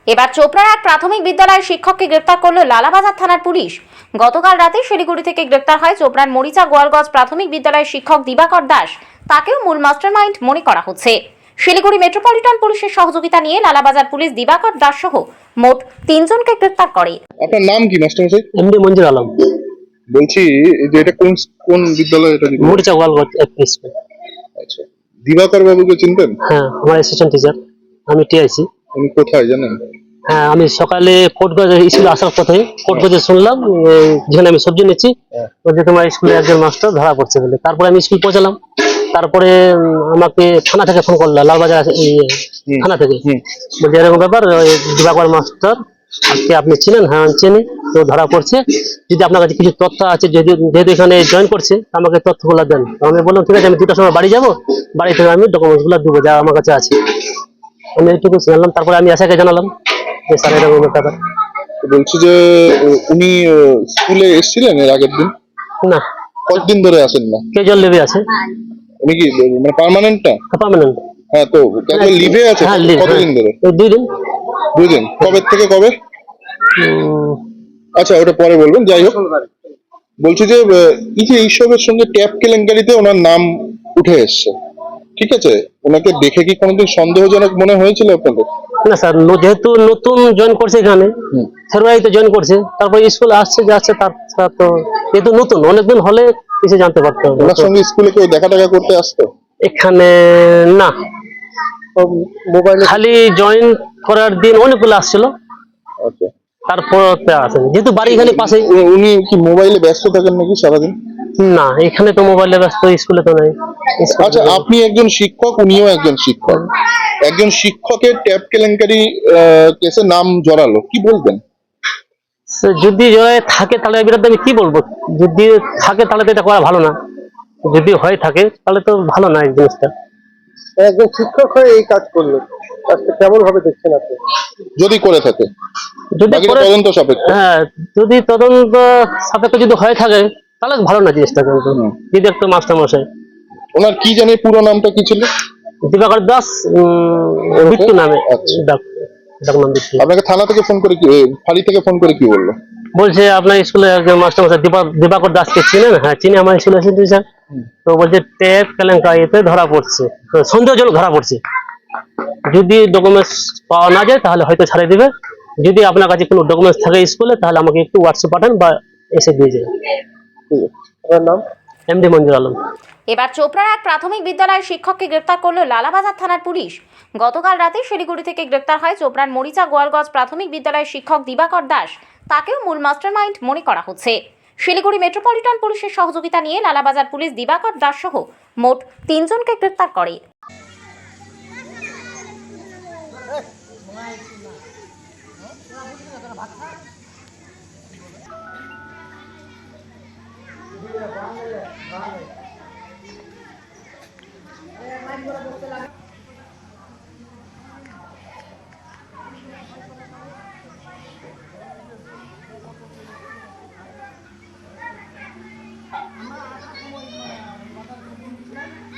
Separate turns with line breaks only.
এবার চোপড়ার এক প্রাথমিক বিদ্যালয়ের শিক্ষককে গ্রেপ্তার করল লালাবাজার থানার পুলিশ। গতকাল রাতে শিলিগুড়ি থেকে গ্রেপ্তার হয় চোপড়ার মরিচা গোয়ালগঞ্জ প্রাথমিক বিদ্যালয়ের শিক্ষক দিবাকর দাস। তাকেও মূল মাস্টারমাইন্ড মনে করা হচ্ছে। শিলিগুড়ি মেট্রোপলিটন পুলিশের সহযোগিতা নিয়ে লালাবাজার পুলিশ দিবাকর দাস সহ মোট 3 জনকে গ্রেপ্তার করে।
আপনার নাম কি মাস্টারমশাই?
এমডি মঞ্জুর আলম।
বলছি যে এটা কোন কোন বিদ্যালয় এটা?
মরিচা গোয়ালগঞ্জ এফপি স্কুল।
আচ্ছা, দিবাকর বাবুকে চিনতেন?
হ্যাঁ, আমার অ্যাসিস্ট্যান্ট টিচার, আমি টিআইসি।
উনি কোথায় জানেন?
হ্যাঁ, আমি সকালে কোর্টগঞ্জ স্কুলে আসার পথে কোর্টগঞ্জে শুনলাম যেখানে আমি সবজি নিচ্ছি যে তোমার স্কুলে একজন মাস্টার ধরা পড়ছে বলে। তারপরে আমি স্কুল পৌঁছালাম। তারপরে আমাকে থানা থেকে ফোন করলো, লালবাজার থানা থেকে, বলছে এরকম ব্যাপার, দিবাকর মাস্টার আজকে আপনি চিনেন? হ্যাঁ চিনি, তো ধরা পড়ছে। যদি আপনার কাছে কিছু তথ্য আছে, যেহেতু এখানে জয়েন করছে, আমাকে তথ্যগুলো দেন। আমি বললাম ঠিক আছে, আমি 2টার সময় বাড়ি যাবো, বাড়ি থেকে আমি ডকুমেন্টস গুলো দেবো যা আমার কাছে আছে। আমি এইটুকু জানলাম। তারপরে আমি আশাকে জানালাম যে স্যার এরকম ব্যাপার।
বলছি যে উনি স্কুলে এসেছিলেন এর আগের দিন?
না।
কতদিন ধরে আসেন না?
ক্যাজুয়াল লিভে আছে।
উনি কি মানে পার্মানেন্ট না?
পার্মানেন্ট।
হ্যাঁ, তো ক্যাজুয়াল লিভে আছে
হ্যাঁ,
কতদিন ধরে?
2 দিন।
2 দিন? কবে থেকে কবে? আচ্ছা, ওটা পরে বলবেন। যাই হোক, বলছি যে এই যে এইসবের সঙ্গে ট্যাপ কেলেঙ্কারিতে ওনার নাম উঠে এসছে, ঠিক আছে, ওনাকে দেখে কি কোনোদিন সন্দেহজনক মনে হয়েছিল আপনাদের?
না স্যার, যেহেতু নতুন জয়েন করছে এখানে, ফেব্রুয়ারিতে জয়েন করছে, তারপর স্কুলে আসছে যাচ্ছে, তার তো যেহেতু নতুন, অনেকদিন হলে কিছু জানতে পারতো।
ওনার সঙ্গে স্কুলে কেউ দেখা টাকা করতে আসতো?
এখানে না, মোবাইলে খালি জয়েন করার দিন অনেকগুলো আসছিল,
আচ্ছা,
তারপর আসেন। যেহেতু বাড়ি এখানে পাশে।
উনি কি মোবাইলে ব্যস্ত থাকেন নাকি সারাদিন?
না, এখানে তো মোবাইলে ব্যস্ত, স্কুলে তো নাই।
আচ্ছা, আপনি একজন শিক্ষক, উনিও একজন শিক্ষক, একজন শিক্ষকের ট্যাপ কেলেঙ্কারি কেসে নাম জড়ালো, কি বলবেন?
যদি জয় থাকে তাহলে এর বিরুদ্ধে আমি কি বলবো? যদি থাকে তাহলে তো এটা করা ভালো না, যদি হয়ে থাকে তাহলে তো ভালো না। এই জিনিসটা
একজন শিক্ষক হয়ে এই কাজ করলো, কাজটা কেমন ভাবে দেখছেন আপনি?
যদি করে থাকে,
যদি
তদন্ত সাপেক্ষ।
হ্যাঁ, যদি তদন্ত সাপেক্ষে যদি হয়ে থাকে তাহলে ভালো না জিনিসটা। কিন্তু যদি একটা মাস্টার মশাই,
ওনার কি জানি পুরো নামটা কি ছিল?
দিবাকর দাস, বিট্টু নামে।
আচ্ছা,
ডাক নাম বিট্টু।
আপনাকে থানা থেকে ফোন করে কি, ফাঁড়ি থেকে ফোন করে কি বললো?
বলছে আপনার স্কুলে একজন মাস্টার মশাই দিবাকর দাসকে চিনেন? হ্যাঁ চিনি, আমার স্কুলে এসে টিচার। তো বলছে ট্যাপ কেলেঙ্কারিতে ধরা পড়ছে, সন্দেহজনক ধরা পড়ছে। যদি ডকুমেন্টস পাওয়া না যায় তাহলে হয়তো ছাড়িয়ে দিবে। যদি আপনার কাছে কোনো ডকুমেন্টস থাকে স্কুলে, তাহলে আমাকে একটু হোয়াটসঅ্যাপ পাঠান বা এসে দিয়ে যাবেন।
আপনার নাম?
এমডি মঞ্জুর আলম।
এবার চোপড়ার এক প্রাথমিক বিদ্যালয়ের শিক্ষককে গ্রেপ্তার করল লালাবাজার থানার পুলিশ। গতকাল রাতে শিলিগুড়ি থেকে গ্রেপ্তার হয় চোপড়ার মরিচা গোয়ালগঞ্জ প্রাথমিক বিদ্যালয়ের শিক্ষক দিবাকর দাস। তাকেও মূল মাস্টারমাইন্ড মনে করা হচ্ছে। শিলিগুড়ি মেট্রোপলিটন পুলিশের সহযোগিতা নিয়ে লালাবাজার পুলিশ দিবাকর দাস সহ মোট 3 জনকে গ্রেপ্তার করে।
ভালো